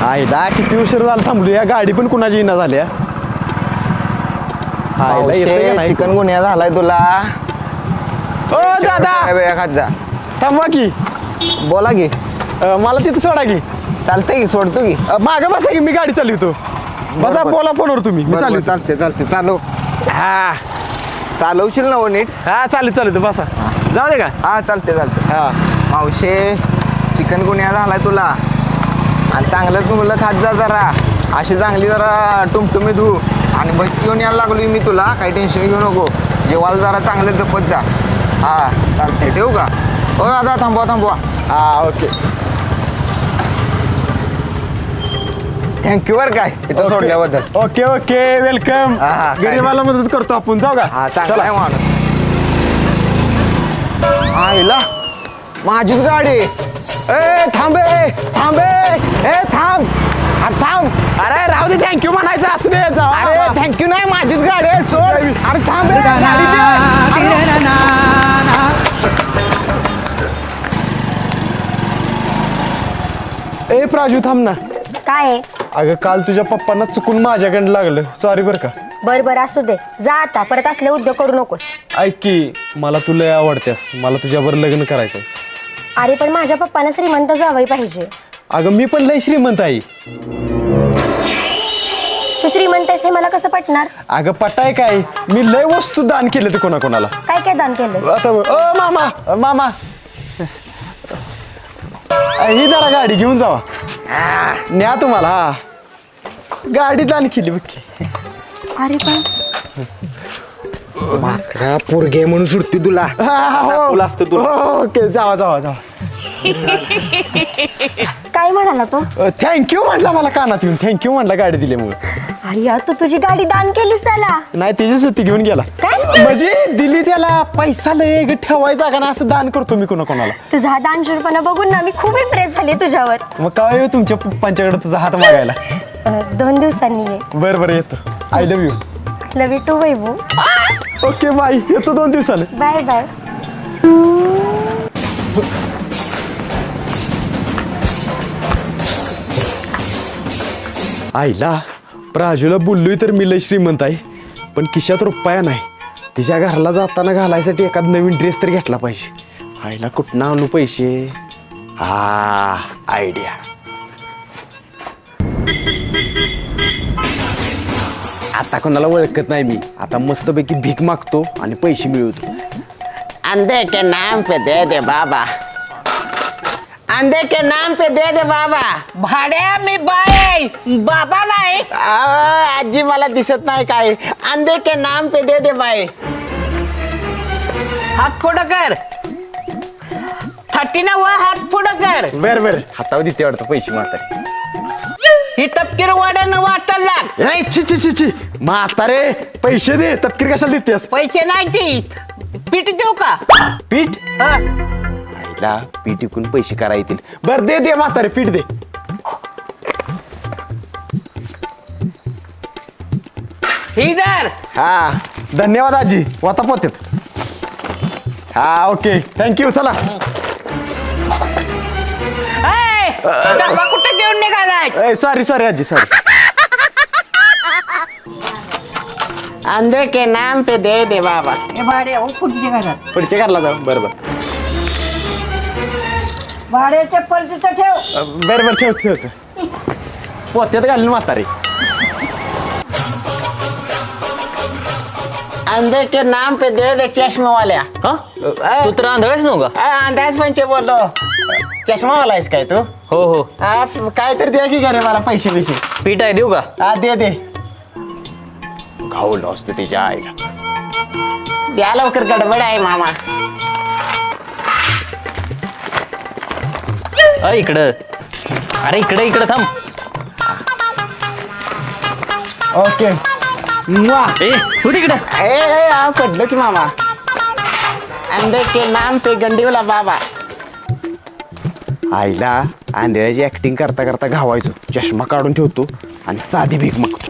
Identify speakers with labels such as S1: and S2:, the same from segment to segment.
S1: आईला किती उशीर झाला थांबलो या गाडी पण कुणाची येणं झाल्या. आईला येतंय का नाही?
S2: चिकन गुन्हा झालाय तुला.
S1: ओ दादा
S2: वेळा खात जा.
S1: थांबवा की.
S2: बोला की.
S1: मला तिथं सोडा की.
S2: चालतंय की सोडतो की.
S1: मागं बसा की मी गाडी चालवतो. बसा बोला फोनवर तुम्ही मी चालू.
S2: चालते चालव.
S1: हा
S2: चालवशील ना नीट.
S1: हा चालू बसा. जाऊ दे का.
S2: हा चालते
S1: हा
S2: मावशे चिकन गुन्हा झालाय तुला आणि चांगलंच मुलं खात जा जरा. अशी चांगली जरा टुमटुमी धू आणि बस घेऊन यायला लागलो मी तुला. काही टेन्शन घेऊ नको. जेवायला जरा चांगलं जपत जा. हा चालते ठेवू का. हो दादा थांबवा.
S1: हा ओके.
S2: थँक्यू बरं काय इथं सोडल्याबद्दल.
S1: Okay welcome.
S2: हा, काय
S1: गरीबाला मदत करतो आपण. जाऊ का.
S2: हा चांगला आहे माणूस. आईला माझीच गाडी. ए थांबे थांब.
S1: अरे राहू दे थँक्यू म्हणायचं असू दे.
S2: अरे थँक्यू नाही माझीच गाडी आहे सोड. अरे थांब
S1: ए प्राजू थांब ना.
S3: काय आहे?
S1: अगं काल तुझ्या पप्पांना चुकून माझ्याकडे लागलं. सॉरी बरं का.
S3: बर असू दे. जा आता. परत असले उद्योग करू नकोस.
S1: ऐक की मला तुला आवडतेस. मला तुझ्यावर लग्न करायचंय.
S3: अरे पण माझ्या पप्पांना श्रीमंत जावई पाहिजे.
S1: अगं मी पण लय श्रीमंत आहे.
S3: तू श्रीमंत आहेस हे मला कसं पटणार?
S1: अगं पटाय काय. मी लय वस्तू दान केले ते कोणाकोणाला.
S3: काय दान केलं?
S1: आता मामा ही जरा गाडी घेऊन जावा. न्या तुम्हाला. हा गाडी दान केली बघ.
S3: अरे पण
S2: माकडा पोरगे म्हणून सुटती तुला.
S1: तुला असतं तुला. ओके जावा.
S3: काय म्हणाला तो?
S1: थँक्यू म्हटला मला कानात येऊन. थँक्यू म्हटला गाडी दिल्यामुळे.
S3: अरे यार तू तुझी गाडी दान केलीस त्याला?
S1: नाही त्याची सुट्टी घेऊन गेला.
S3: काय?
S1: म्हणजे दिली त्याला. पैसा लय ठेवायचा का ना असं दान करतो मी कोणाकोणाला.
S3: तुझा हा दानशूरपणा बघून ना मी खूप इम्प्रेस झाले तुझ्यावर.
S1: मग काय येऊ तुमच्या पप्पांच्याकडे तुझा हात मागायला.
S3: 2 दिवसांनी ये.
S1: बरं येतो. I love you.
S3: Love you too Vaibhu.
S1: Okay bye. येतो 2 दिवसाने.
S3: बाय.
S1: आईला प्राजूला बोललोय तर मी लय श्रीमंत आहे. पण खिशात रुपया नाही. तिच्या घराला जाताना घालायसाठी एखादा नवीन ड्रेस तर घेतला पाहिजे. आईला कुठनं आणू पैसे. हा आयडिया. आता कोणाला ओळखत नाही मी. आता मस्तपैकी भीक मागतो आणि पैसे मिळवतो.
S2: अंधे के नाम पे दे दे बाबा. अंधे के नाम पे दे दे बाबा.
S4: भाड्या मी बाय बाबा नाही.
S2: आजी मला दिसत नाही काय. अंधे के नाम पे दे दे बाय.
S4: हात पुढं कर. 30 हात पुढं कर.
S1: बरं हातावर देते वाटतं पैसे माता.
S4: ही तपकीर वाड्यानं वाटायला लाग.
S1: ची म्हातारे पैसे दे. तपकीर कशाला देतेस.
S4: पैसे नाही ती पीठ देऊ का?
S1: पीठ.
S4: हं.
S1: आईला पीठ विकून पैसे करा येतील. बर दे म्हातारे पीठ दे.
S4: ही धर.
S1: हा धन्यवाद आजी. वाता पोतेत. हा ओके थँक्यू. चला.
S4: ए, डब्बा कुठे घेऊन निघालाय?
S1: सॉरी आजी सॉरी.
S2: अंधे के नाम पे दे दे बाबा.
S4: हे भाड्या पुढच्या घरात.
S1: पुढच्या घरला जाऊ. बरोबर
S4: भाड्या चप्पल तिथं ठेव.
S1: बरोबर ठेवतो. पोत्यात घालून म्हातारे.
S2: अंधे के नाम पे दे दे चष्मे वाल्या.
S5: तू तर आंधळाच नव्हता.
S2: अंदाज पंचे बोललो. चष्मा वाला आहेस काय तू?
S5: हो
S2: काय तर दे की घरे मला पैसे बिशे.
S5: पीठ आहे देऊ का?
S2: हा दे
S1: घावलं असतं त्याच्या आईला.
S2: द्या लवकर गडबड आहे मामा.
S5: इकडं. अरे इकडं थांब.
S1: ओके.
S5: तू तिकडं.
S2: पडलो की मामा. अंधे के नाम पे गंडीवाला बाबा.
S1: आईला आंधळ्याची ऍक्टिंग करता करता घावायचो. चष्मा काढून ठेवतो आणि साधी भीक मागतो.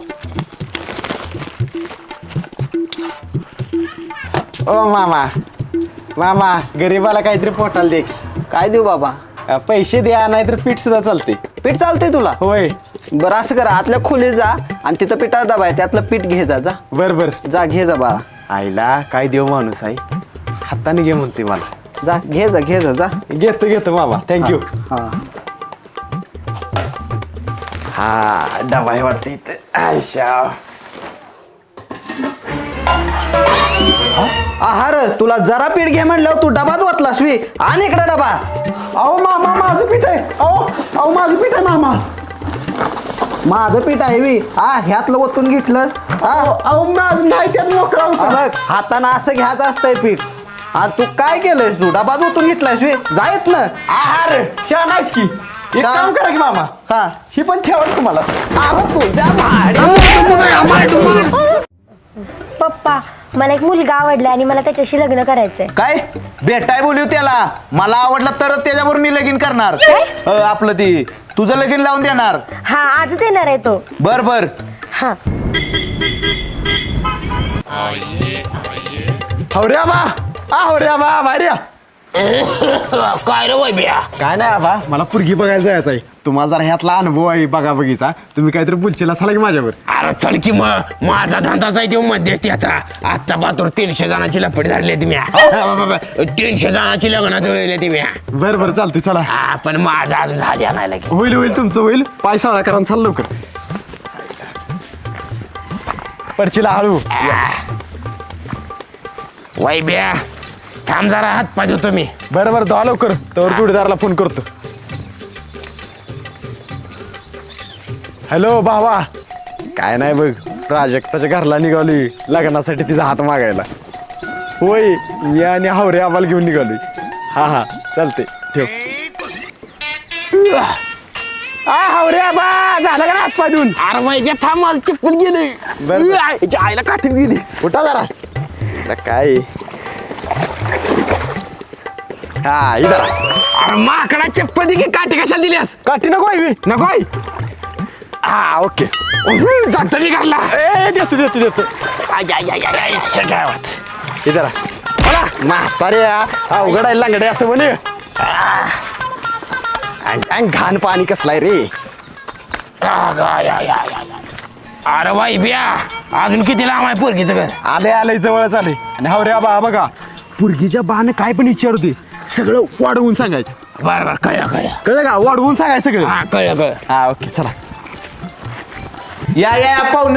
S2: ओ मामा गरीबाला काहीतरी पोटाला दे की.
S6: काय देऊ बाबा?
S1: पैसे द्या नाहीतर पीठ सुद्धा चालते.
S2: पीठ चालतंय तुला?
S1: होय.
S2: बरं असं करा, आतल्या खोलीत जा आणि तिथं पिठाचा डबा आहे, त्यातलं पीठ घे जा.
S1: बर बर.
S2: जा घे जा बाळा.
S1: आईला काय देव माणूस आहे, हाताने घे म्हणते मला.
S2: जा घे जा.
S1: घेतो मामा, थँक्यू.
S2: हा
S1: हा डबा आहे वाटतं इथं. आयशा
S2: आहार, तुला जरा पीठ घे म्हणलं तू डबाच वाचलास वी. आणि इकडे डबा.
S1: अहो मामा माझं पीठ आहे. अहो माझं पीठ आहे मामा.
S2: माझं पीठ आहे वी. हा ह्यातलं ओतून घेतलंस.
S1: अहो माझं नाही त्यात मोकळा होता.
S2: बघ हातानं असं घ्यायचं असतंय पीठ. हा तू काय केलंयस, तू डबाच ओतून घेतलायस वी. जायत ना.
S1: आहार छान आहेस की. एक
S2: छान.
S1: काम करा की मामा,
S2: हा
S1: ही पण ठेवा तुम्हाला.
S2: तुझ्या
S3: पप्पा मला एक मुलगा आवडला आणि मला त्याच्याशी लग्न करायचंय.
S2: काय भेटाय बोलू त्याला. मला आवडला तरच त्याच्यावर मी लगीन करणार. आपलं ती तुझं लगीन लावून देणार.
S3: हा आजच येणार आहे तो.
S2: बर
S3: हा
S1: हवऱ्या बा भार्या.
S4: काय रे वैब्या?
S1: काय नाही आबा, मला पुरगी बघायला जायचं आहे. तुम्हाला जरा ह्यातला अनुभव आहे बघा बघीचा. तुम्ही काहीतरी बोलचेला चला की माझ्यावर.
S4: अरे चल की मग, माझा धंदाच आहे तो मध्यस्थीचा. आता बातूर 300 जणांची लपडी धरली तुम्ही. 300 जणांची लग्न जुळवली तुम्ही.
S1: बरं चालते चला.
S4: हा पण माझा अजून झाली नाही लगे.
S1: होईल तुमचं होईल. पाय साळा करा चाल लवकर. परचीला हळू.
S4: वैब्या थांब जरा, हात पाहिजे तुम्ही.
S1: बरं दहा लवकर, तर जोडीदाराला फोन करतो. हॅलो भावा. काय नाही बघ, प्राजक्ताच्या घरला निघालोय लग्नासाठी तिचा हात मागायला. होय, मी आणि हावरे आम्हाला घेऊन निघालोय. हा चालते ठेव. हावरे आबा झालं का ना हात पाय देऊन?
S4: अरे वैब्या थांब, मला चिपकून गेली.
S1: बरं.
S4: आईला काठीत गेली.
S1: उठा जरा. आता काय हा इधर.
S4: अरे माकडा चप्पल दे की, काठी कशाला दिलीस?
S1: काठी नको आहे
S4: नको आहे.
S1: हा ओके.
S4: जातो मी घरला.
S1: देतो.
S4: गावात
S1: इधर बोला म्हातारे अवघड आहे लांगडे असं म्हणे. घाण पाणी कसलाय रे.
S4: अरे वैब्या अजून किती लांब आहे पोरगीचं घर?
S1: आले जवळच आले. आणि हाव रे बा बघा, पुरगीच्या बाने काय पण विचारते सगळं वाढवून सांगायचं.
S4: बरं
S1: कळलं का? वाढवून सांगायचं सगळं.
S4: हा कळलं.
S1: हा ओके चला.
S2: या पाहुण.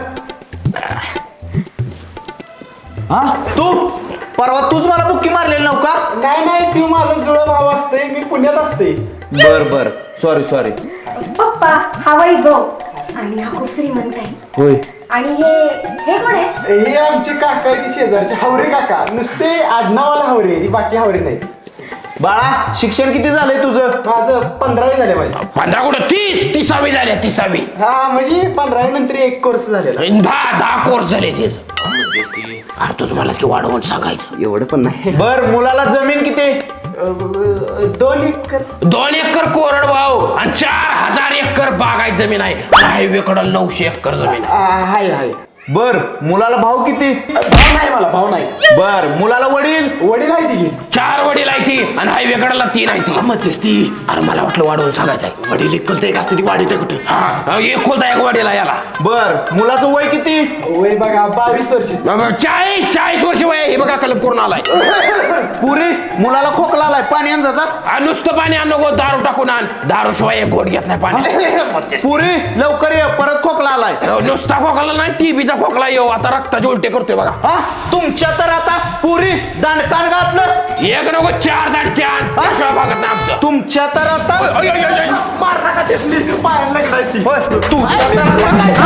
S2: हा तू परवा तूच मला बुक्की मारलेली नव्ह का?
S1: नाही तू माझा जुळा भाव असते, मी पुण्यात असते.
S2: बर सॉरी.
S3: पप्पा हा वैभव आणि हा खूप श्रीमंत आहे.
S2: होय.
S3: आणि हे कोण आहे?
S1: हे आमचे काका आहे, शेजारचे हावरे काका. नुसते आडनावाला हावरे, बाकी हावरे नाही.
S2: बाळा शिक्षण किती झालंय तुझं?
S1: माझं 15वी झाले माझे.
S4: 15 कुठं 30वी झाली. 30वी.
S1: हा म्हणजे 15वी नंतर एक कोर्स झालेला.
S4: 10 कोर्स झाले तेच. अरे तुझं मला की वाढवून सांगायचं.
S1: एवढं पण नाही.
S2: बर मुलाला जमीन किती?
S1: 2 एकर.
S4: 2 एकर कोरड भाऊ आणि 4000 एकर बागायत जमीन आहे. हायवे कडं 900 एकर जमीन आहे.
S1: हाय.
S2: बर मुलाला भाऊ किती?
S1: भाव नाही मला, भाव नाही.
S2: बर मुलाला वडील?
S1: वडील आहे तिघे.
S4: 4 वडील आहे ती आणि हायवे कडाला 3 आहे ती.
S1: मध्यस्थी.
S4: अरे मला वाटलं वाढवून सांगायचंय.
S1: वडील एकुलता एक असते ती वाढीत कुठे.
S4: हा एकुलता एक वडीला याला.
S2: बर मुलाचं वय किती?
S1: वय बघा 22 वर्ष.
S4: 40 वर्ष वय आहे. हे बघा कलम पूर्ण आलाय.
S2: पुरी मुलाला खोकला आलाय, पाणी आण जातात.
S4: नुसतं पाणी आण नको, दारू टाकून आण. दारू शिवाय एक घोट घेत नाही पाणी.
S2: पुरी लवकर ये, परत खोकला आलाय.
S4: नुसता खोकला नाही, टीबीचा खोकला येऊ. आता रक्ताचे उलटे करतोय बघा.
S2: हा तुमच्या तर आता पुरी दांडकान घातलं.
S4: एक नको 4 दांडके आण. शिवाय भागत नाही आमचं.
S2: तुमच्या तर आता
S1: मार नका तेसली पायाला लागलाय.
S2: होय, तुमच्या तर आता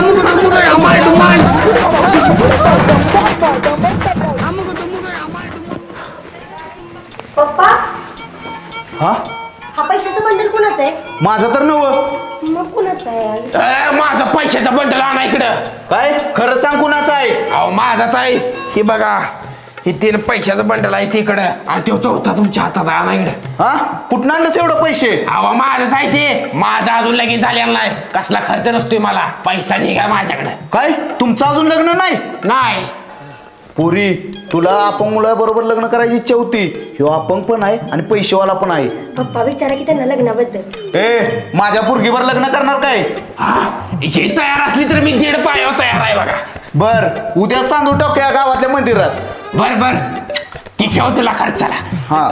S3: पप्पा
S2: हा
S3: हा पैशाचं बंडल कुणाचं आहे?
S2: माझं तर नवं.
S3: मग कुणाचं आहे?
S4: माझा पैशाचा बंडल आणा इकडं.
S2: काय खरं सांग कुणाचं आहे?
S4: अहो माझाच आहे. ही बघा, ही 3 पैशाचं बंडल आहे तिकडं आणि तो चौथा तुमच्या हातात आहे. आणा इकडं.
S2: हा कुठं आणलंस एवढं पैसे?
S4: अहो माझंच आहे ते. माझा अजून लगीन झालेला नाही. कसला खर्च नसतोय मला. पैसा निघा माझ्याकडे.
S2: काय तुमचं अजून लग्न नाही?
S4: नाही.
S6: पुरी तुला अपंग मुलाबरोबर लग्न करायची इच्छा होती. ह्यो अपंग पण आहे आणि पैसेवाला पण आहे.
S3: पप्पा विचारा की त्यांना लग्नाबद्दल.
S6: ए माझ्या पुरगीवर लग्न करणार काय?
S4: हे तयार असली तर मी 1.5 पायावर तयार आहे बघा.
S6: बर उद्याच तांदूळ टाकूया गावातल्या मंदिरात.
S4: बर बर ती ठेव तुला खर्चाला.
S6: हा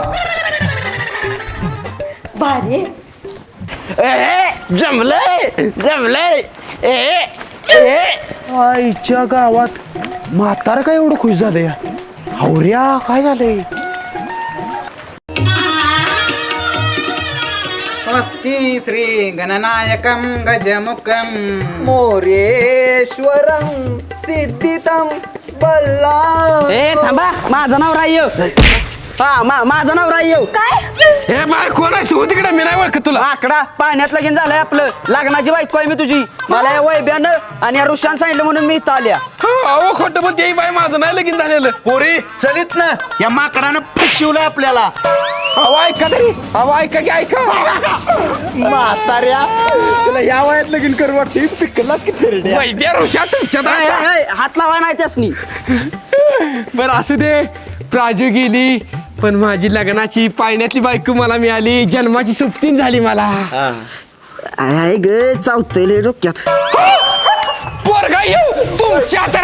S3: भारी आहे.
S4: जमलंय जमलंय.
S1: आईच्या गावात म्हातार काय एवढं खुश झालं या? हावऱ्या काय झालंय?
S7: स्वस्ति श्री गणनायकं गजमुखं
S2: मोरेश्वरम सिद्धितम बल्ला.
S7: ए थांबा माझं नाव राह्य. माझं नाव राह्य.
S4: हे बाय कोण आहे तू तिकडे? मी नाही ओळखत तुला.
S7: आकडा पाण्यात लगीन झालंय आपलं. लग्नाची बायको आहे मी तुझी. मला या वैब्यानं आणि या ऋषान सांगितलं म्हणून मी इथं आल्या.
S4: अहो खोटं पण ते बाय माझं नाही लगीन झालेलं.
S6: पोरी चलित ना या माकडानं फसवलंय आपल्याला.
S4: अहो ऐका तरी. अहो ऐका की ऐका.
S1: म्हाताऱ्या तुला या वयात लगीन करू वाटते पिकलाच की थेरड्या.
S4: वैद्य ऋषा तुमच्या
S7: हात लावा नाही त्यासनी.
S4: बर असू दे. प्राजू गेली पण माझी लग्नाची पाळण्यातली बायको मला मिळाली. जन्माची सुप्तीन झाली मला.
S7: ग चावतले डोक्यात.
S4: पोरगा येऊ तुमच्या